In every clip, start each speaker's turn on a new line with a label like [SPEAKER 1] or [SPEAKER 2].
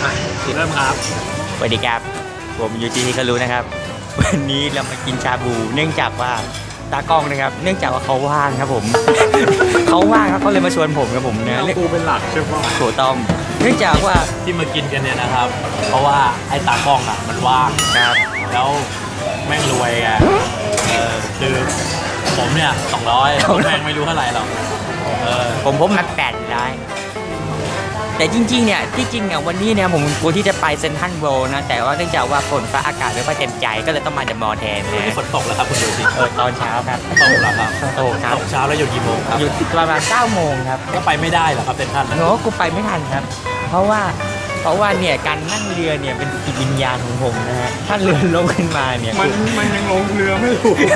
[SPEAKER 1] เริ่มครับ
[SPEAKER 2] สวัสดีครับผมยูจีที่เขารู้นะครับวันนี้เรามากินชาบูเนื่องจากว่าตากล้องนะครับเนื่องจากว่าเขาว่างครับผม เขาว่างครับเขาเลยมาชวนผมครับผมเนี่ย
[SPEAKER 1] กูเป็นหลักใช่ป่ะ
[SPEAKER 2] โถต้อมเนื่องจากว่า
[SPEAKER 3] ที่มากินกันเนี่ยนะครับเพราะว่าไอ้ตากล้องอ่ะมันว่าง
[SPEAKER 2] ครับ
[SPEAKER 3] แล้วแม่งรวยไงคือผมเนี่ย200แม่งไม่รู้เท่าไหร่หรอก
[SPEAKER 2] ผมมา800แต่จริงๆเนี่ยที่จริงเนี่ยวันนี้เนี่ยผมกลัวที่จะไปเซนทรัลเวิลด์นะแต่ว่าเนื่องจากว่าฝนฟ้าอากาศไม่ค่อยเต็มใจก็เลยต้องมาเดอะมอลล์แทนนะ
[SPEAKER 3] ฝนตกแล้วครับคุณดูสิ
[SPEAKER 2] ตอนเช้าครับ
[SPEAKER 3] ตกแล้วครับ
[SPEAKER 2] ตกครับ
[SPEAKER 3] เช้าแล้วหยุดกี่โมงครับ
[SPEAKER 2] หยุดประมาณ9 โมงครับ
[SPEAKER 3] ก็ไปไม่ได้หรอครับเซนทรัล
[SPEAKER 2] โน้กูไปไม่ทันครับเพราะว่าเนี่ยการนั่งเรือเนี่ยเป็นจิตวิญญาณของผมนะฮะถ้าเรือล่มขึ้นมาเนี่ย
[SPEAKER 1] มันยังลงเรือไม่ถูก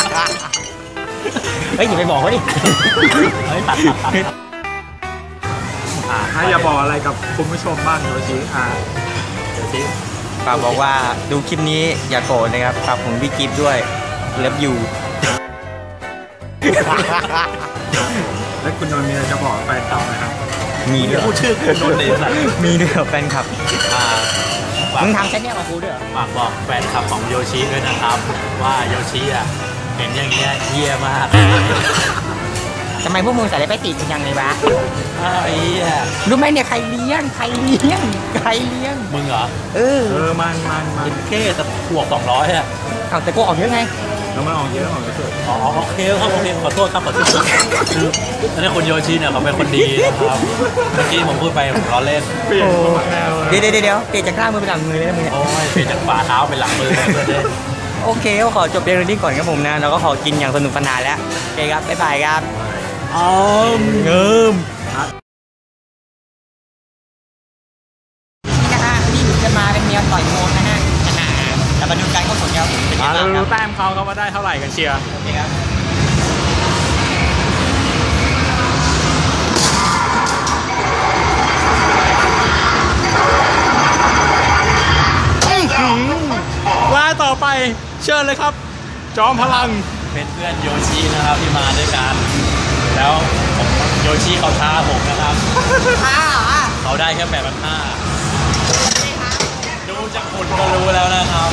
[SPEAKER 2] เฮ้ยอย่าไปบอกเขาดิ
[SPEAKER 3] เฮ้ยตัด
[SPEAKER 1] ให้อย่าบอกอะไรกับคุณผู้ชมบ้างโยชิ
[SPEAKER 3] โยชิ
[SPEAKER 2] ฝากบอกว่าดูคลิปนี้อย่าโกรธนะครับฝากผมพี่กิฟด้วยเลิฟยู
[SPEAKER 1] แล้วคุณนนท์มีอะไรจะบอกแฟนคลับไหมครับ
[SPEAKER 2] มีด้วย
[SPEAKER 3] พูดชื่อคุณนนท์เลยสัตว์
[SPEAKER 2] มีด้วยแฟนคลับมึงทำแค่นี้มากูด้วย
[SPEAKER 3] ฝากบอกแฟนคลับของโยชิด้วยนะครับว่าโยชิอ่ะเห็นอย่างเงี้ยเยี่ยมาก
[SPEAKER 2] ทำไมพวกมึงใส่ไปติดยังไงวะ
[SPEAKER 3] ไอ้
[SPEAKER 2] รู้ไหมเนี่ยใครเลี้ยง
[SPEAKER 3] มึงเหรอ
[SPEAKER 1] มัน
[SPEAKER 3] เป็นแค่แต่บวก200อ่ะ
[SPEAKER 2] เอาแต่กูออกเยอะไง
[SPEAKER 1] แล้วมันออกเยอะออกเยอะ
[SPEAKER 3] โอเคครับขอโทษครับคือตอนนี้คุณโยชิเนี่ยเขาเป็นคนดีนะครับเมื่อกี้ผมพูดไปผมล้อเล่น
[SPEAKER 1] เ
[SPEAKER 2] ดี๋ยวเปลี่ยนจากข้างมือเป็นหลังมือเลยนะมึง
[SPEAKER 3] โอ้ยเปลี่ยนจากฝ่าเท้าเป็นหลังมือเลย
[SPEAKER 2] โอเคก็ขอจบเพียงเท่านี้ก่อนครับผมนะแล้วก็ขอกินอย่างสนุกสนานแล้วโอเคครับบ๊ายบายครับ
[SPEAKER 3] เงิม
[SPEAKER 2] นะฮะนี่จะมาเป็นแนวต่อยมวยนะฮะแต่มาดูการเข้าสนครับเป็นยังไงบ้างครับ
[SPEAKER 1] แต้มเขาว่าได้เท่าไหร่กันเชียร์
[SPEAKER 2] โอเคครับ
[SPEAKER 1] ว่าต่อไปเชิญเลยครับจอมพลัง
[SPEAKER 3] เป็นเพื่อนโยชินะครับที่มาด้วยกันแล้วโยชิเขาท้าผมนะครับเขาได้แค่8,500ดูจากคนก็รู้แล้วนะครับ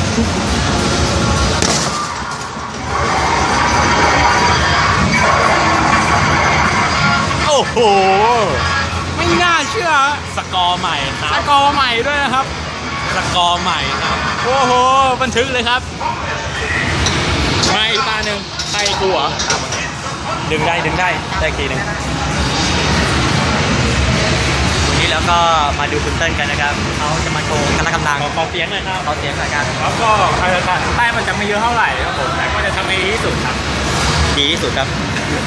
[SPEAKER 1] โอ้โหไม่น่าเชื่อ
[SPEAKER 3] สกอร์ใหม่ครับ
[SPEAKER 1] สกอร์ใหม่ด้วยนะครับ
[SPEAKER 3] สกอร์ใหม่ครับ
[SPEAKER 1] โอ้โหบันทึกเลยครับไม่ตาหนึ่งใครกลัว
[SPEAKER 3] ดึงได้ทีหนึ่ง
[SPEAKER 2] วันนี้แล้วก็มาดูคุณเติ้ลกันนะครับเขาจะมาโชว์พละกำลัง
[SPEAKER 3] ขอเสียงหน่อยครับ
[SPEAKER 2] ขอเสียงหน่อยครับ
[SPEAKER 1] แล้วก็ใครจะตัดแต้มมันจะไม่เยอะเท่าไหร่ครับผมแต่ก็จะทำให้ดีที่สุดครับ
[SPEAKER 2] ดีที่สุดครับ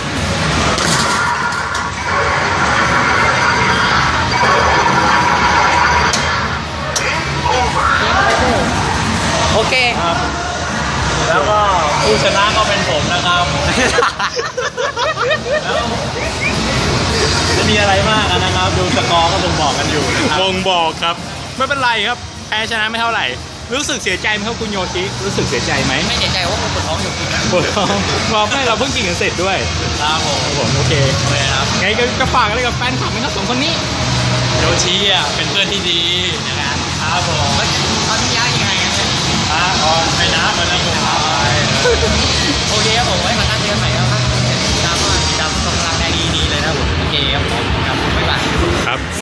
[SPEAKER 2] โอเค
[SPEAKER 3] ครับแล้วก็ผู้ชนะก็เป็นผมนะครับจะมีอะไรมากนะครับดูสกอร์ก็บ่งบอกกันอยู่
[SPEAKER 1] บ่งบอกครับไม่เป็นไรครับแพ้ชนะไม่เท่าไหร่รู้สึกเสียใจไหมครับคุณโยชิรู้สึกเสียใจไหม
[SPEAKER 2] ไม่เสียใจว่าผมปวดท้องอยู่กิน
[SPEAKER 1] ปวดท้องบอกให้เราเพิ่งกินกันเสร็จด้วย
[SPEAKER 3] ครับ
[SPEAKER 1] ผมโอเค
[SPEAKER 3] ครับ
[SPEAKER 1] ไงก็ฝากอะไรกับแฟนคลับไหมครับ2 คนนี้
[SPEAKER 3] โยชิอ่ะเป็นเพื่อนที่ดีนะครับผม
[SPEAKER 2] ตอนนี้ย้ายยังไง
[SPEAKER 3] ไม่นะมันนะผม
[SPEAKER 2] โอเคครับผมไว้มาตั้งเดือนใหม่แล้วครับตามส่งพลังได้ดีเลยนะผมโอเคครับผมครับบ๊ายบาย
[SPEAKER 1] ครับ